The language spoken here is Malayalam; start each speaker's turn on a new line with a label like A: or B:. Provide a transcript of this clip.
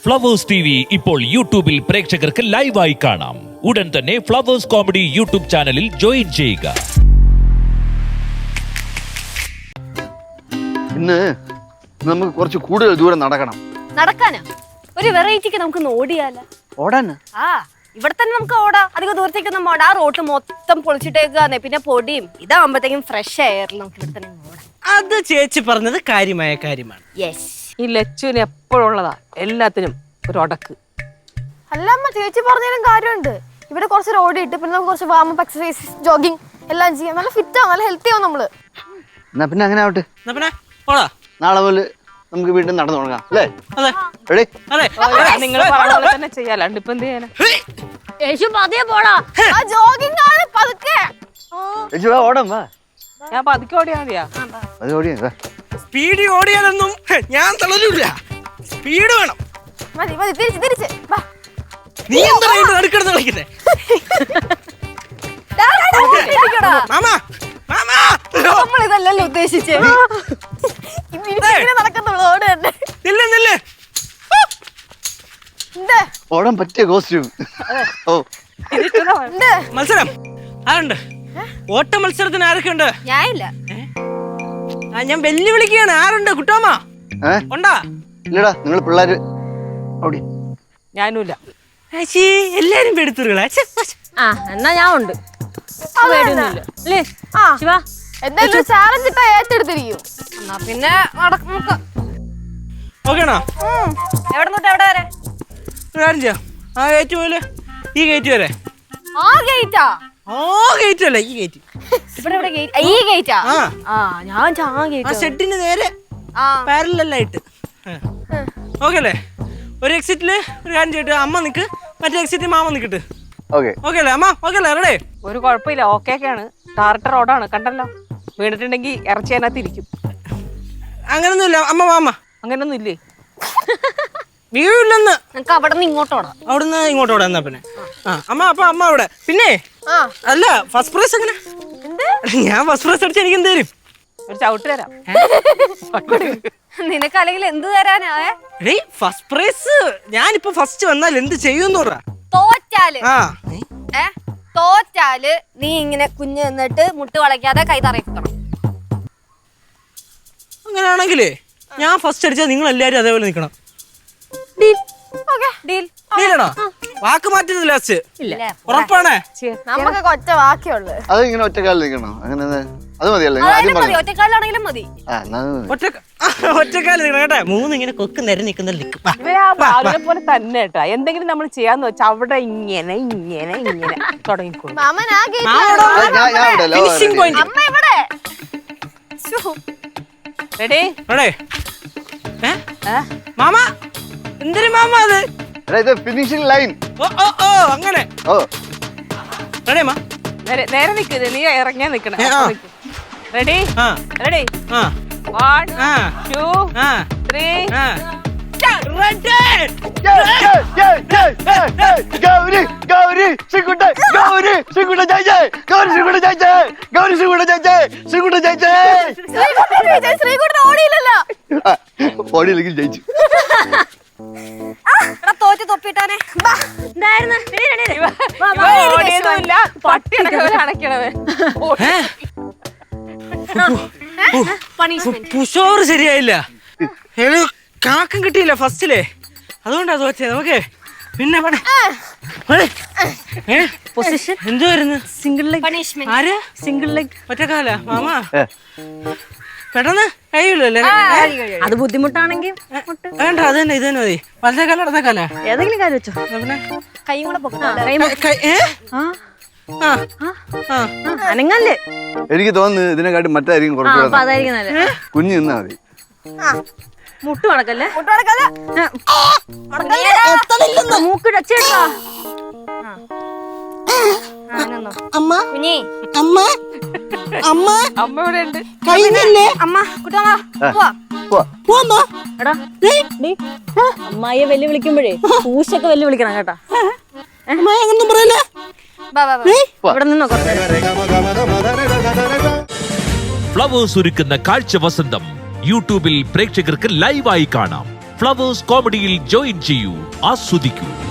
A: ഫ്ലവേഴ്സ് TV ഇപ്പോൾ യൂട്യൂബിൽ പ്രേക്ഷകർക്ക് ലൈവായി കാണാം. ഉടൻ തന്നെ ഫ്ലവേഴ്സ് കോമഡി യൂട്യൂബ് ചാനലിൽ ജോയിൻ ചെയ്യുക.
B: ഇന്ന് നമുക്ക് കുറച്ച് കൂടുതൽ ദൂരം നടക്കണം.
C: നടക്കാനാ? ഒരു വെറൈറ്റിക്ക് നമുക്ക് ഓടിയാലോ?
B: ഓടാന്?
C: ആ, ഇവിടെ തന്നെ നമുക്ക് ഓടാം. അധികം ദൂരത്തേക്കൊന്നും ഓടാ. ആ റോഡ് മൊത്തം പൊളിച്ചിട്ടേക്കാന്നെ, പിന്നെ പൊടിയും ഇതാകുമ്പോഴത്തേക്കും ഫ്രഷ് എയറിൽ നമുക്ക് ഇവിടെ തന്നെ ഓടാം.
D: അത് ചേച്ചി പറഞ്ഞത് കാര്യമായ കാര്യമാണ്.
C: യെസ്.
E: ഈ ലച്ചുവിന് എപ്പോഴുള്ളതാ എല്ലാത്തിനും ഒരു ഒടക്ക്.
F: അല്ല അമ്മ, ചേച്ചി പറഞ്ഞാലും കാര്യമുണ്ട്. ഇവിടെ കുറച്ച് ഓടിയിട്ട് പിന്നെ നമുക്ക് കുറച്ച് വാമപ്പ് എക്സസൈസ് ജോഗിങ് എല്ലാം ചെയ്യാം. നല്ല ഫിറ്റ് ആവും, നല്ല ഹെൽത്തി ആവും നമ്മള്.
B: എന്നാ പിന്നെ അങ്ങനെ ആവട്ടെ.
D: എന്നാ പിന്നെ ഓടാ.
B: നാളെ മുതൽ നമുക്ക് വീണ്ടും നടന്നു തുടങ്ങാം അല്ലേ?
D: അതെ
B: റെഡി?
D: അതെ.
E: നിങ്ങൾ പറഞ്ഞ പോലെ തന്നെ ചെയ്യാലുണ്ട്. ഇപ്പൊ എന്ത് ചെയ്യാനാ?
C: യേശു പതിയെ പോടാ.
F: ആ ജോഗിങ് ആണ് പതുക്കെ.
B: ചേച്ചി വാ, ഓടാം വാ.
E: ഞാൻ പതുക്കെ ഓടിയാ മതിയാ?
B: അത് ഓടിയാ വാ.
D: സ്പീഡ് ഓടിയാലൊന്നും ഞാൻ തളരില്ല. സ്പീഡ് വേണം.
F: മതി മതി, തിരിച്ച് തിരിച്ച് വാ.
D: നീ എന്താ അടുക്കെടുത്ത് കളിക്കുന്നേ? മാമാ മാമാ,
F: നമ്മൾ ഇതല്ലല്ലോ ഉദ്ദേശിച്ചേ. ഇങ്ങനെ നടക്കുന്നുള്ളൂ, ഓട് തന്നെ.
D: നില്ല് നില്ല്.
F: ഉണ്ട്
B: ഓടാൻ പറ്റിയ കോസ്റ്റ്യൂം. ഓ
F: ഉണ്ട്.
D: മത്സരം ആരുണ്ട്? ഓട്ട മത്സരത്തിന് ആരൊക്കെ ഉണ്ട്?
C: ഞാനില്ല.
D: ഞാൻ വെല്ലുവിളിക്കുകയാണ്. ആരുണ്ട്? കുട്ടോമ്മ ഉണ്ടാ?
B: ഇല്ലടാ, നിങ്ങൾ പിള്ളേര് ഓടി.
E: ഞാനുമില്ല.
D: ചേച്ചി എല്ലാരും പെടുത്തുകളാ.
C: ആ, എന്നാ ഞാൻ ഉണ്ട്. അല്ലേ
F: ആ,
C: ശിവ?
F: എന്തായാലും ചാലഞ്ച് ഇട്ടാ ഏറ്റെടുത്തിരിക്കും.
C: എന്നാ പിന്നെ നമുക്ക്
D: ഓക്കേണോ?
C: എവിടെ തൊട്ട് എവിടെ വരെ?
D: ഒരു കാര്യം ചെയ്യാം. ആ ഗേറ്റ് പോലെ ഈ ഗേറ്റ് വരെ.
C: ആ ഗേറ്റാ?
D: ആ ഗേറ്റ് അല്ല, ഈ ഗേറ്റ്.
C: ഇവിടെ ഇവിടെ ഗേറ്റ്? ഈ ഗേറ്റാ?
D: ആ
C: ആ, ഞാൻ ആ
D: ആ
C: ഗേറ്റ്.
D: ഷെഡിന് നേരെ
C: ആ,
D: പാരലായിട്ട്. ഓക്കെ അല്ലേ? ഒരു എക്സിറ്റില് ഒരു കാര്യം ചെയ്തിട്ട് അമ്മ നിക്ക്, മറ്റേ എക്സിറ്റ് മാമ നിക്കട്ട്.
B: ഓക്കെ
D: ഓക്കെ അല്ലേ അമ്മ? ഓക്കെ അല്ലേ? റെഡി?
E: ഒരു കുഴപ്പമില്ല, ഓക്കെയൊക്കെയാണ്. ടാർട്ടർ റോഡാണ്, കണ്ടല്ലോ. വീണിട്ടുണ്ടെങ്കിൽ ഇറച്ചി അതിനകത്ത് ഇരിക്കും.
D: അങ്ങനൊന്നുമില്ല അമ്മ. മാമ
E: അങ്ങനൊന്നും ഇല്ലേ?
D: വീഴില്ലെന്ന്.
C: നിനക്ക് അവിടെ നിന്ന് ഇങ്ങോട്ടോടാ.
D: അവിടുന്ന് ഇങ്ങോട്ട് ഓടാ. എന്നാ പിന്നെ ആ അമ്മ. അപ്പൊ അമ്മ അവിടെ. പിന്നെ
F: ആ,
D: അല്ല, ഫസ്റ്റ് പ്രൈസ് എങ്ങനെ? ഞാൻ ഫസ്റ്റ് പ്രൈസ് അടിച്ച് എനിക്ക് എന്ത് തരും?
E: ഒരു ചവിട്ട് തരാം.
C: നിനക്ക് അല്ലെങ്കിൽ എന്ത് തരാനാ?
D: എടീ, ഫസ്റ്റ് പ്രൈസ് ഞാനിപ്പോ ഫസ്റ്റ് വന്നാൽ എന്ത് ചെയ്യുമെന്ന് പറ.
C: തോറ്റാല്
D: ആ
C: തോറ്റാല് നീ ഇങ്ങനെ കുഞ്ഞ് നിന്നിട്ട് മുട്ട് വളയ്ക്കാതെ കൈ തറയിക്കണം.
D: അങ്ങനെയാണെങ്കിലേ ഞാൻ ഫസ്റ്റ് അടിച്ചാൽ നിങ്ങൾ എല്ലാരും അതേപോലെ നിൽക്കണം.
C: ഡീൽ?
D: ഡീലാണോ? വാക്ക് മാറ്റുന്നത് ലാസ്റ്റ് ഉറപ്പാണേ?
F: നമുക്ക് കൊച്ച ബാക്കിയുള്ളു.
B: അത് ഇങ്ങനെ ഒറ്റക്കാലിൽ നിൽക്കണോ? അങ്ങനെ അത് മതിയല്ലേ? നിങ്ങൾ ആദ്യം
C: മതി,
B: പറഞ്ഞു.
C: ഒറ്റക്കാലാണെങ്കിലും മതി.
B: ആ, എന്നാ അത് മതി.
D: ഒറ്റക്കാലം നിൽക്കണം കേട്ടെ. മൂന്ന് ഇങ്ങനെ കൊക്ക് നിര നിൽക്കുന്ന
E: ഇവര് ആ ബാലുവിനെ പോലെ തന്നെ കേട്ടാ. എന്തെങ്കിലും നമ്മൾ ചെയ്യാന്ന് വെച്ചാൽ അവിടെ ഇങ്ങനെ ഇങ്ങനെ ഇങ്ങനെ തുടങ്ങിക്കോളും.
F: മാമൻ ആ ഗേറ്റ്.
B: ഞാൻ ഇവിടെ അല്ല.
D: Finishing point.
F: അമ്മ ഇവിടെ.
E: റെഡി?
D: മാമ എന്തൊരു മാമ അത്?
B: എടാ, ഇത് ഫിനിഷിംഗ് ലൈൻ.
D: ഓ ഓ ഓ അങ്ങനെ.
B: ഓ
D: റെഡി അമ്മ?
E: നേരെ നിൽക്കുന്നത്, നീ ഇറങ്ങിയാ നിക്കണം. റെഡി?
D: ആ
E: റെഡി?
D: ആ
E: 1
D: ആ
E: 2
D: ആ
E: 3
D: ആ.
B: ഗൗരി ഗൗരി ശ്രീകുട്ട ഗൗരി ശ്രീകുട്ട ജയിച്ചേ. ഗൗരി ശ്രീകുട്ട ജയിച്ചേ. ഗൗരി ശ്രീകുട്ട ജയിച്ചേ. ശ്രീകുട്ട ജയിച്ചേ.
F: ശ്രീകുട്ടൻ ഓടിയില്ലല്ലോ.
B: ഓടിയില്ലെങ്കിൽ ജയിച്ചു.
C: തോറ്റ് തൊപ്പിട്ടാനെ.
E: ഓടിയതുമില്ല, പട്ടി അടക്കവരെ അടയ്ക്കണവേ.
D: പുഷോർ ശരിയായില്ല. കാക്കം കിട്ടിയില്ല ഫസ്റ്റിലെ, അതുകൊണ്ടാ തോറ്റേ. നമുക്ക് പിന്നെ
C: പൊസിഷൻ
D: എന്തുവായിരുന്നു?
C: Single leg punishment.
D: ആര്?
C: Single leg.
D: ഒറ്റക്കാല മാമ പെട്ടെന്ന് കഴിയില്ലല്ലേ?
C: അത് ബുദ്ധിമുട്ടാണെങ്കിൽ
D: വേണ്ട, അത് തന്നെ, ഇത് തന്നെ മതി. വലത്തേക്കാല ഇടത്തേക്കാല
C: ഏതെങ്കിലും കാര്യം വെച്ചോ.
D: പിന്നെ
C: കൈയും കൂടെ
F: അനങ്ങല്ലേ?
B: എനിക്ക് തോന്നുന്നു ഇതിനെക്കാട്ടി മറ്റായിരിക്കും കുറച്ചുകൂടെ.
C: അതായിരിക്കും നല്ലത്.
B: കുഞ്ഞു നിന്നാ മതി.
C: മുട്ട് മടക്കല്ലേ?
F: മുട്ടടക്കല്ല.
C: മൂക്ക് ടച്ചേട്ടാ.
D: അമ്മ
C: കുഞ്ഞി
D: അമ്മ അമ്മ
E: അമ്മ ഇവിടെ ഉണ്ട്.
D: കഴിഞ്ഞില്ലേ?
C: അമ്മ കുട്ടമ്മ
D: പോവാ.
C: എടാ അമ്മായിയെ വെല്ലുവിളിക്കുമ്പോഴേ പൂശൊക്കെ വെല്ലുവിളിക്കണം കേട്ടാ.
D: അങ്ങനൊന്നും പറയല്ലേ?
C: ഇവിടെ നിന്നോ കുറച്ച്.
A: ഫ്ലവേഴ്സ് ഒരുക്കുന്ന കാഴ്ച വസന്തം യൂട്യൂബിൽ പ്രേക്ഷകർക്ക് ലൈവായി കാണാം. ഫ്ലവേഴ്സ് കോമഡിയിൽ ജോയിൻ ചെയ്യൂ, ആസ്വദിക്കൂ.